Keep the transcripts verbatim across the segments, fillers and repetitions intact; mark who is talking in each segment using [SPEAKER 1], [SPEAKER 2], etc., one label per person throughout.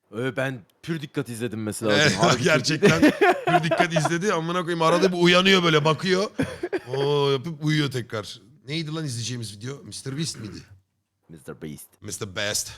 [SPEAKER 1] Ee, ben pür dikkat izledim mesela.
[SPEAKER 2] Evet,
[SPEAKER 1] Harbi
[SPEAKER 2] gerçekten bir dikkat izledi. Amına koyayım arada bir uyanıyor böyle bakıyor. Oo yapıp uyuyor tekrar. Neydi lan izleyeceğimiz video? mister Beast miydi?
[SPEAKER 1] mister Beast.
[SPEAKER 2] mister Beast.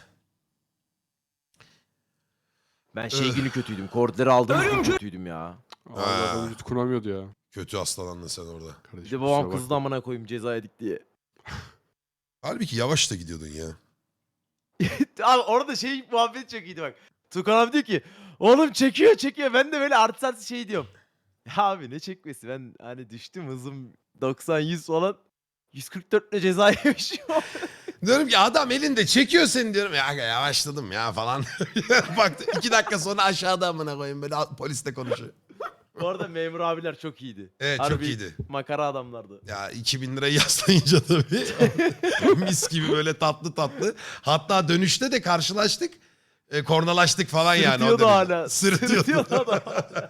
[SPEAKER 1] Ben şey
[SPEAKER 2] Öh.
[SPEAKER 1] günü kötüydüm. Koordları aldığım gün kötüydüm ya.
[SPEAKER 3] Allah'ım yutkunamıyordu ya.
[SPEAKER 2] Kötü hastalandın sen orada.
[SPEAKER 1] Bir
[SPEAKER 3] Kardeşim,
[SPEAKER 1] de babam
[SPEAKER 3] kusura
[SPEAKER 1] kızdı
[SPEAKER 3] bakma.
[SPEAKER 1] amına koyayım ceza yedik diye.
[SPEAKER 2] Halbuki yavaş da gidiyordun ya.
[SPEAKER 1] Abi orada şey muhabbet çok iyiydi bak. Tukan abi diyor ki oğlum çekiyor çekiyor. Ben de böyle artı artı şey diyorum. Ya abi ne çekmesi, ben hani düştüm hızım doksan yüz falan. yüz kırk dört ile ceza yemişim.
[SPEAKER 2] Diyorum ki adam elinde çekiyor seni diyorum. Ya aga yavaşladım ya falan. Baktı iki dakika sonra aşağıda amına koyayım böyle polisle konuşuyor.
[SPEAKER 1] Bu arada memur abiler çok iyiydi.
[SPEAKER 2] Evet çok
[SPEAKER 1] Harbi
[SPEAKER 2] iyiydi.
[SPEAKER 1] makara adamlardı.
[SPEAKER 2] Ya iki bin lirayı yaslayınca tabii. Mis gibi böyle tatlı tatlı. Hatta dönüşte de karşılaştık. E, kornalaştık falan yani. o
[SPEAKER 1] Sırıtıyordu
[SPEAKER 2] derece.
[SPEAKER 1] hala.
[SPEAKER 2] Sırıtıyordu.
[SPEAKER 1] Sırıtıyordu adam.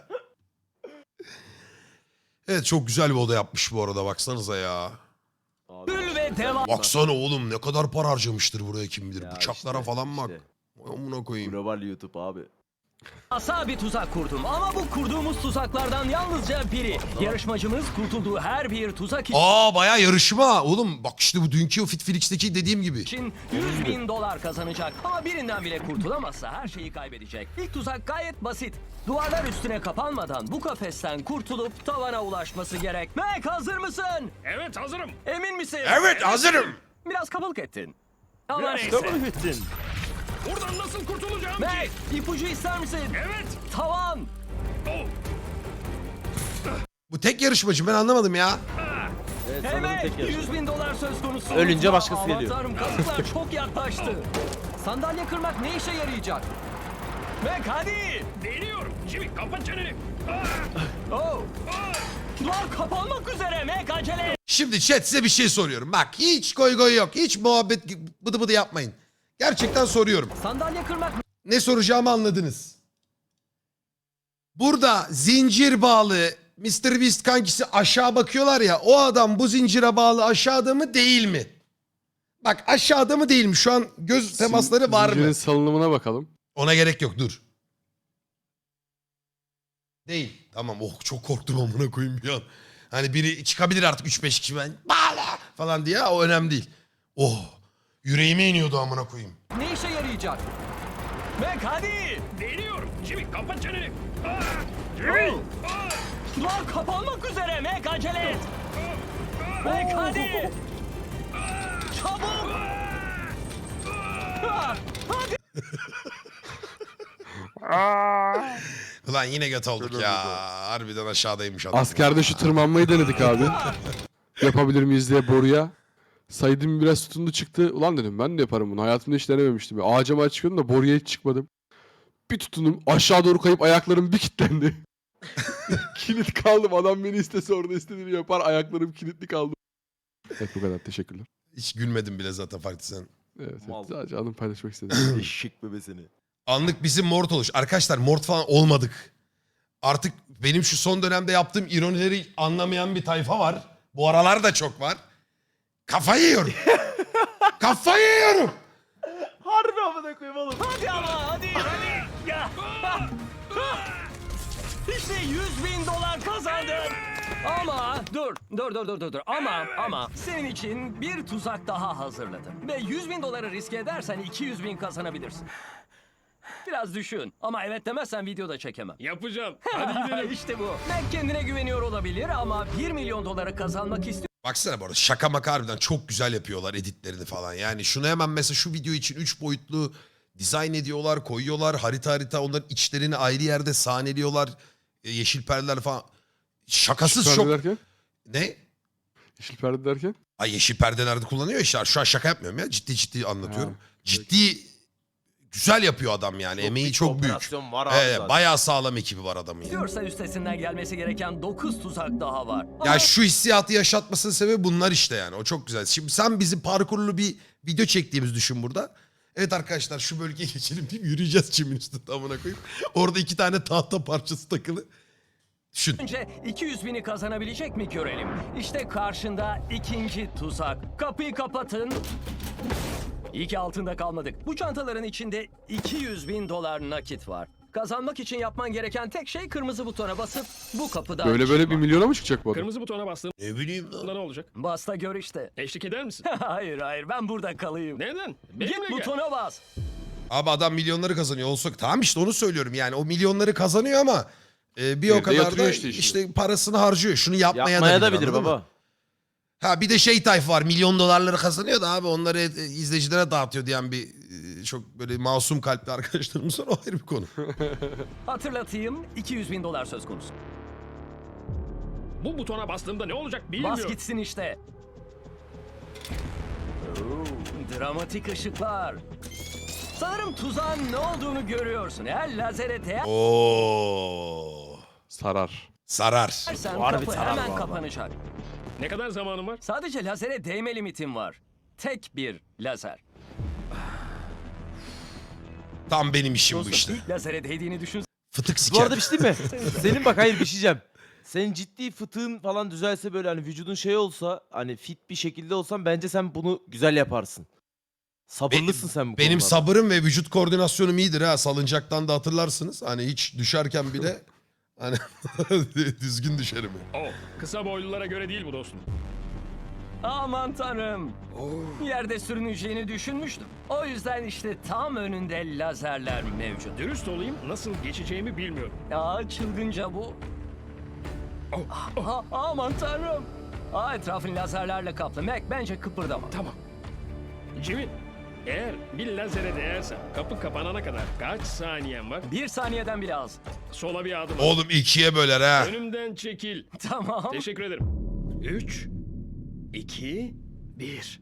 [SPEAKER 2] Evet çok güzel bir oda yapmış bu arada baksanıza ya.
[SPEAKER 1] Abi,
[SPEAKER 4] ve devam.
[SPEAKER 2] Baksana oğlum ne kadar para harcamıştır buraya kim bilir.
[SPEAKER 1] ya
[SPEAKER 2] Bıçaklara
[SPEAKER 1] işte,
[SPEAKER 2] falan bak.
[SPEAKER 1] işte.
[SPEAKER 2] Vay amına koyayım.
[SPEAKER 1] Global YouTube abi.
[SPEAKER 4] Asa bir tuzak kurdum ama bu kurduğumuz tuzaklardan yalnızca biri. Yarışmacımız kurtulduğu her bir tuzak
[SPEAKER 2] Aa bayağı yarışma. Oğlum bak işte bu dünkü o Fitflix'teki dediğim gibi.
[SPEAKER 4] için yüz bin dolar kazanacak. Ama birinden bile kurtulamazsa her şeyi kaybedecek. İlk tuzak gayet basit. Duvarlar üstüne kapanmadan bu kafesten kurtulup tavana ulaşması gerek. Mac hazır mısın?
[SPEAKER 5] Evet hazırım.
[SPEAKER 4] Emin misin?
[SPEAKER 2] Evet hazırım.
[SPEAKER 4] Biraz kabalık ettin. Ama
[SPEAKER 1] Biraz
[SPEAKER 4] neyse.
[SPEAKER 1] kabul ettin.
[SPEAKER 5] Buradan nasıl kurtulacağım
[SPEAKER 4] Mac
[SPEAKER 5] ki?
[SPEAKER 4] ipucu ister misin?
[SPEAKER 5] Evet.
[SPEAKER 4] Tavan.
[SPEAKER 5] Oh.
[SPEAKER 2] Bu tek yarışmacı ben anlamadım ya.
[SPEAKER 1] Evet, sanırım
[SPEAKER 4] Evet,
[SPEAKER 1] tek yarışma.
[SPEAKER 4] yüz bin dolar söz konusu.
[SPEAKER 1] Ölünce başkası
[SPEAKER 4] Aman
[SPEAKER 1] geliyor.
[SPEAKER 4] tanrım, kazıklar çok yaklaştı. Sandalye kırmak ne işe yarayacak? Mac hadi.
[SPEAKER 5] Deniyorum. Jimmy kapat çeneni. Ah,
[SPEAKER 4] Oh.
[SPEAKER 5] ah.
[SPEAKER 4] Duvar kapanmak üzere Mac acele et.
[SPEAKER 2] Şimdi chat size bir şey soruyorum. Bak hiç goy goy yok. Hiç muhabbet bıdı bıdı yapmayın. Gerçekten soruyorum.
[SPEAKER 4] Sandalye kırmak
[SPEAKER 2] Ne soracağımı anladınız. Burada zincir bağlı mister Beast kankisi aşağı bakıyorlar ya. O adam bu zincire bağlı aşağıda mı değil mi? Bak aşağıda mı değil mi? Şu an göz temasları var
[SPEAKER 3] Zincirin
[SPEAKER 2] mı?
[SPEAKER 3] salınımına bakalım.
[SPEAKER 2] Ona gerek yok dur. Değil. Tamam oh çok korktum amına koyayım bir an. Hani biri çıkabilir artık üç beş kişi ben bağla falan diye o önemli değil. Oh yüreğime iniyordu amına koyayım.
[SPEAKER 4] ne işe yarayacak? Mac hadi.
[SPEAKER 5] Deniyorum. Jimmy kapat çeneni. Ah, Jimmy.
[SPEAKER 4] Oh.
[SPEAKER 5] Ah,
[SPEAKER 4] Duvar kapanmak üzere Mac acele et. Mac hadi. Çabuk. Ah, hadi.
[SPEAKER 2] Ulan yine göt olduk ya. Harbiden aşağıdaymış adam.
[SPEAKER 3] Askerde şu tırmanmayı denedik abi. Yapabilir miyiz diye boruya. Saydım biraz tutundu çıktı. Ulan dedim ben de yaparım bunu. Hayatımda hiç denememiştim. Ağaca mı çıkıyordum da boruya hiç çıkmadım. Bir tutundum. Aşağı doğru kayıp ayaklarım bir kilitlendi. Kilit kaldım. Adam beni istese orada istediğini yapar. Ayaklarım kilitli kaldı. Evet bu kadar. Teşekkürler.
[SPEAKER 2] Hiç gülmedim bile zaten farklı sen.
[SPEAKER 3] Evet,
[SPEAKER 1] Mal.
[SPEAKER 3] evet. Sadece anımı paylaşmak istedim.
[SPEAKER 1] Eşek bebesini.
[SPEAKER 2] Anlık bizim mort oluş. Arkadaşlar mort falan olmadık. Artık benim şu son dönemde yaptığım ironileri anlamayan bir tayfa var. Bu aralar da çok var. Kafayı yiyorum. Kafayı yiyorum.
[SPEAKER 1] Harbi amına koyayım oğlum.
[SPEAKER 4] Hadi ama hadi hadi. Ya. İşte yüz bin dolar kazandın. Ama dur dur dur dur dur dur ama ama senin için bir tuzak daha hazırladım. Ve yüz bin doları riske edersen iki yüz bin kazanabilirsin. Biraz düşün ama evet demezsen videoda çekemem.
[SPEAKER 5] yapacağım. Hadi gidelim.
[SPEAKER 4] İşte bu. Mac kendine güveniyor olabilir ama bir milyon doları kazanmak istiyor.
[SPEAKER 2] Baksana bu arada şaka maka harbiden çok güzel yapıyorlar editlerini falan. Yani şunu hemen mesela şu video için üç boyutlu dizayn ediyorlar, koyuyorlar. Harita harita onların içlerini ayrı yerde sahneliyorlar. E, Yeşil perdeler falan. Şakasız
[SPEAKER 3] Yeşil
[SPEAKER 2] çok...
[SPEAKER 3] perde derken?
[SPEAKER 2] Ne?
[SPEAKER 3] Yeşil perde derken?
[SPEAKER 2] Ay yeşil perdelerde kullanıyor işte. Şu an şaka yapmıyorum ya. Ciddi ciddi anlatıyorum.
[SPEAKER 3] Ha,
[SPEAKER 2] ciddi güzel yapıyor adam yani. Emeği
[SPEAKER 1] bir
[SPEAKER 2] çok büyük.
[SPEAKER 1] operasyon var abi
[SPEAKER 2] Evet,
[SPEAKER 1] zaten.
[SPEAKER 2] bayağı sağlam ekibi var adamın yani.
[SPEAKER 4] İstiyorsa üstesinden gelmesi gereken dokuz tuzak daha var.
[SPEAKER 2] Ya
[SPEAKER 4] Ama
[SPEAKER 2] şu hissiyatı yaşatmasının sebebi bunlar işte yani. O çok güzel. Şimdi sen bizi parkurlu bir video çektiğimizi düşün burada. Evet arkadaşlar şu bölgeye geçelim deyip yürüyeceğiz çimin üstünde amına koyayım. Orada iki tane tahta parçası takılı. Düşün.
[SPEAKER 4] önce iki yüz bini kazanabilecek mi görelim. İşte karşında ikinci tuzak. Kapıyı kapatın. İyi ki altında kalmadık. Bu çantaların içinde iki yüz bin dolar nakit var. Kazanmak için yapman gereken tek şey kırmızı butona basıp bu kapıdan
[SPEAKER 3] Böyle böyle bir
[SPEAKER 4] çıkmak.
[SPEAKER 3] milyona mı çıkacak bu adam?
[SPEAKER 5] Kırmızı butona bastığımda
[SPEAKER 2] Ne bileyim lan.
[SPEAKER 5] ne olacak?
[SPEAKER 4] Bas da gör işte.
[SPEAKER 5] Eşlik eder misin?
[SPEAKER 4] hayır hayır ben burada kalayım.
[SPEAKER 5] Neden?
[SPEAKER 4] Git
[SPEAKER 5] Benimle gel.
[SPEAKER 4] butona bas.
[SPEAKER 2] Abi adam milyonları kazanıyor olsa tamam işte onu söylüyorum yani o milyonları kazanıyor ama e, bir o
[SPEAKER 3] Evde
[SPEAKER 2] kadar da
[SPEAKER 3] yatırıyor
[SPEAKER 2] işte,
[SPEAKER 3] işte işini.
[SPEAKER 2] parasını harcıyor. Şunu yapmaya,
[SPEAKER 1] Yapmaya da
[SPEAKER 2] bilir,
[SPEAKER 1] bilir
[SPEAKER 2] anladın mı?
[SPEAKER 1] baba.
[SPEAKER 2] Ha bir de şey tayfa var milyon dolarları kazanıyor da abi onları e, izleyicilere dağıtıyor diyen bir e, çok böyle masum kalpli arkadaşlarımız var o ayrı bir konu.
[SPEAKER 4] Hatırlatayım iki yüz bin dolar söz konusu.
[SPEAKER 5] Bu butona bastığımda ne olacak
[SPEAKER 4] Bas
[SPEAKER 5] bilmiyorum.
[SPEAKER 4] gitsin işte. Oo, dramatik ışıklar. Sanırım tuzağın ne olduğunu görüyorsun. Eğer lazere
[SPEAKER 2] Oo
[SPEAKER 3] Sarar.
[SPEAKER 2] sarar.
[SPEAKER 4] değersen
[SPEAKER 1] Harbi
[SPEAKER 4] kapı
[SPEAKER 1] sarar
[SPEAKER 4] hemen
[SPEAKER 1] bu arada.
[SPEAKER 4] kapanacak.
[SPEAKER 5] Ne kadar zamanım var?
[SPEAKER 4] Sadece lazere değme limitim var. Tek bir lazer.
[SPEAKER 2] Tam benim işim bu
[SPEAKER 4] Dostum,
[SPEAKER 2] işte.
[SPEAKER 4] ilk lazere değdiğini düşün.
[SPEAKER 2] Fıtık
[SPEAKER 1] Bu
[SPEAKER 2] siker.
[SPEAKER 1] arada bir şey değil mi? Senin bak hayır bir şey diyeceğim. Senin ciddi fıtığın falan düzelse böyle hani vücudun şey olsa hani fit bir şekilde olsan bence sen bunu güzel yaparsın. Sabırlısın sen bu
[SPEAKER 2] Benim
[SPEAKER 1] konularda.
[SPEAKER 2] sabırım ve vücut koordinasyonum iyidir ha. Salıncaktan da hatırlarsınız. Hani hiç düşerken bile hani düzgün düşerim.
[SPEAKER 5] Oh, kısa boylulara göre değil bu dostum.
[SPEAKER 4] Aman tanrım. Yerde sürüneceğini düşünmüştüm. O yüzden işte tam önünde lazerler mevcut.
[SPEAKER 5] Dürüst olayım, nasıl geçeceğimi bilmiyorum.
[SPEAKER 4] Aa çılgınca bu.
[SPEAKER 5] Oh,
[SPEAKER 4] Aa, aman tanrım. Aa, etrafın lazerlerle kaplı. Mac bence kıpırdama.
[SPEAKER 5] Tamam. Jimmy, eğer bir lazere değersem kapı kapanana kadar kaç saniyen var?
[SPEAKER 4] Bir saniyeden bile az.
[SPEAKER 5] Sola bir adım at.
[SPEAKER 2] Oğlum ikiye böler ha.
[SPEAKER 5] Önümden çekil.
[SPEAKER 4] Tamam.
[SPEAKER 5] Teşekkür ederim. Üç, iki, bir.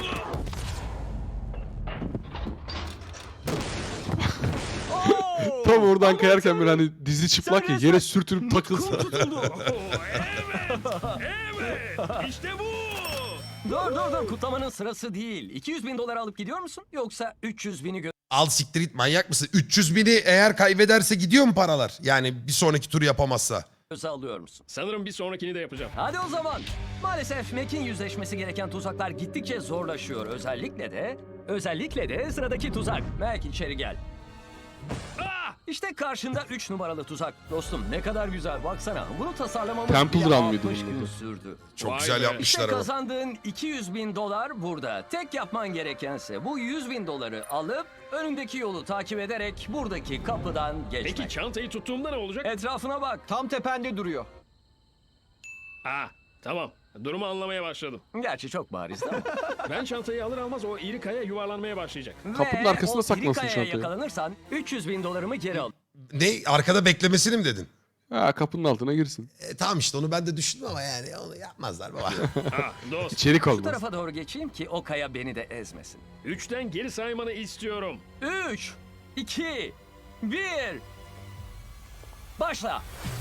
[SPEAKER 4] Oo!
[SPEAKER 3] Tam oradan
[SPEAKER 4] Aman
[SPEAKER 3] kayarken
[SPEAKER 4] tanrım.
[SPEAKER 3] böyle hani dizi çıplak ya
[SPEAKER 4] Sen
[SPEAKER 3] yere
[SPEAKER 4] resmen
[SPEAKER 3] sürtünüp takılsa.
[SPEAKER 4] Kum tutuldu.
[SPEAKER 5] Oh, evet, evet, işte bu.
[SPEAKER 4] dur dur dur kutlamanın sırası değil. iki yüz bin dolar alıp gidiyor musun? Yoksa üç yüz bini
[SPEAKER 2] Al siktir git manyak mısın? üç yüz bini eğer kaybederse gidiyor mu paralar? Yani bir sonraki turu yapamazsa.
[SPEAKER 4] göze alıyor musun?
[SPEAKER 5] Sanırım bir sonrakini de yapacağım.
[SPEAKER 4] Hadi o zaman. Maalesef Mac'in yüzleşmesi gereken tuzaklar gittikçe zorlaşıyor. Özellikle de, özellikle de sıradaki tuzak. Mac içeri gel.
[SPEAKER 5] Ah!
[SPEAKER 4] İşte karşında üç numaralı tuzak. Dostum ne kadar güzel baksana. Bunu tasarlamamız
[SPEAKER 3] Temple
[SPEAKER 4] bile
[SPEAKER 3] Run mıydı
[SPEAKER 4] altmış
[SPEAKER 3] bunun
[SPEAKER 4] gün
[SPEAKER 3] adı?
[SPEAKER 4] sürdü.
[SPEAKER 2] Çok
[SPEAKER 5] Vay
[SPEAKER 2] güzel
[SPEAKER 5] be.
[SPEAKER 2] yapmışlar
[SPEAKER 4] İşte
[SPEAKER 2] ama.
[SPEAKER 4] kazandığın iki yüz bin dolar burada. Tek yapman gerekense bu yüz bin doları alıp önündeki yolu takip ederek buradaki kapıdan geçmek.
[SPEAKER 5] Peki çantayı tuttuğumda ne olacak?
[SPEAKER 4] Etrafına bak. Tam tepende duruyor.
[SPEAKER 5] Ah, tamam. Durumu anlamaya başladım.
[SPEAKER 4] Gerçi çok bariz değil mi?
[SPEAKER 5] Ben çantayı alır almaz o iri kaya yuvarlanmaya başlayacak.
[SPEAKER 3] Kapının
[SPEAKER 4] Ve
[SPEAKER 3] arkasına
[SPEAKER 4] o
[SPEAKER 3] saklansın
[SPEAKER 4] iri kayaya
[SPEAKER 3] çantayı.
[SPEAKER 4] yakalanırsan üç yüz bin dolarımı geri al.
[SPEAKER 2] Ne arkada beklemesini mi dedin?
[SPEAKER 3] Ha kapının altına girsin.
[SPEAKER 2] E, tamam işte onu ben de düşündüm ama yani onu yapmazlar baba.
[SPEAKER 5] Ah, dost.
[SPEAKER 3] İçerik
[SPEAKER 4] Bu
[SPEAKER 3] olmaz.
[SPEAKER 4] tarafa doğru geçeyim ki o kaya beni de ezmesin.
[SPEAKER 5] Üçten geri saymanı istiyorum.
[SPEAKER 4] Üç, iki, bir. Başla.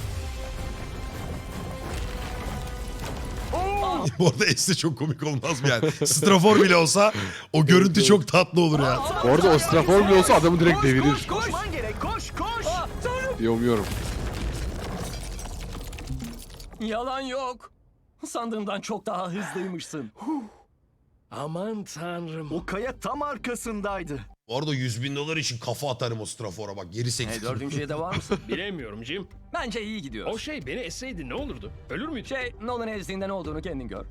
[SPEAKER 2] Bu arada Es'te çok komik olmaz mı yani? Strafor bile olsa o görüntü çok tatlı olur ya.
[SPEAKER 3] Bu arada o strafor bile olsa adamı direkt devirir.
[SPEAKER 4] Koş, koşman gerek. Koş, koş. Aa, tanrım.
[SPEAKER 3] Yomuyorum.
[SPEAKER 4] Yalan yok. Sandığımdan çok daha hızlıymışsın.
[SPEAKER 5] Aman tanrım.
[SPEAKER 6] O kaya tam arkasındaydı.
[SPEAKER 2] Bu arada yüz bin dolar için kafa atarım o Strafora bak geri
[SPEAKER 4] Hey,
[SPEAKER 2] sektir.
[SPEAKER 4] dördüncüye de var mısın?
[SPEAKER 5] Bilemiyorum Jim.
[SPEAKER 4] Bence iyi gidiyor.
[SPEAKER 5] O şey beni esseydi ne olurdu? Ölür müydü?
[SPEAKER 4] Şey, Nolan ezdiğinde ne olduğunu kendin gör.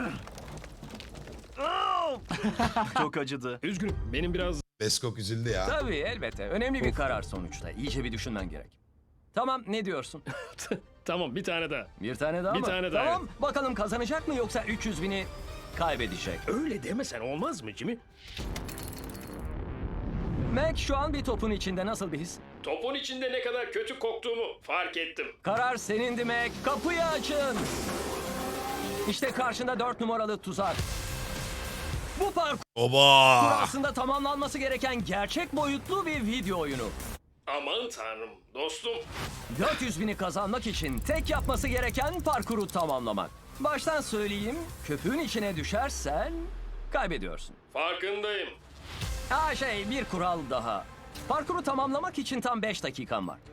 [SPEAKER 6] Çok acıdı.
[SPEAKER 5] Üzgünüm. Benim biraz
[SPEAKER 2] Beskok üzüldü ya.
[SPEAKER 4] Tabii elbette. Önemli bir karar sonuçta. İyice bir düşünmen gerek. Tamam, ne diyorsun?
[SPEAKER 5] Tamam bir tane daha.
[SPEAKER 4] Bir tane daha
[SPEAKER 5] Bir
[SPEAKER 4] mı?
[SPEAKER 5] tane daha,
[SPEAKER 4] Tamam, bakalım kazanacak mı yoksa üç yüz bini kaybedecek.
[SPEAKER 5] Öyle demesen olmaz mı Jimmy?
[SPEAKER 4] Mac şu an bir topun içinde nasıl bir his?
[SPEAKER 5] Topun içinde ne kadar kötü koktuğumu fark ettim.
[SPEAKER 4] Karar senindi Mac. Kapıyı açın. İşte karşında dört numaralı tuzak. Bu parkur
[SPEAKER 2] Oba!
[SPEAKER 4] aslında tamamlanması gereken gerçek boyutlu bir video oyunu.
[SPEAKER 5] Aman tanrım dostum.
[SPEAKER 4] dört yüz bini kazanmak için tek yapması gereken parkuru tamamlamak. Baştan söyleyeyim, köpüğün içine düşersen kaybediyorsun.
[SPEAKER 5] Farkındayım.
[SPEAKER 4] Ha şey, bir kural daha. Parkuru tamamlamak için tam beş dakikan var.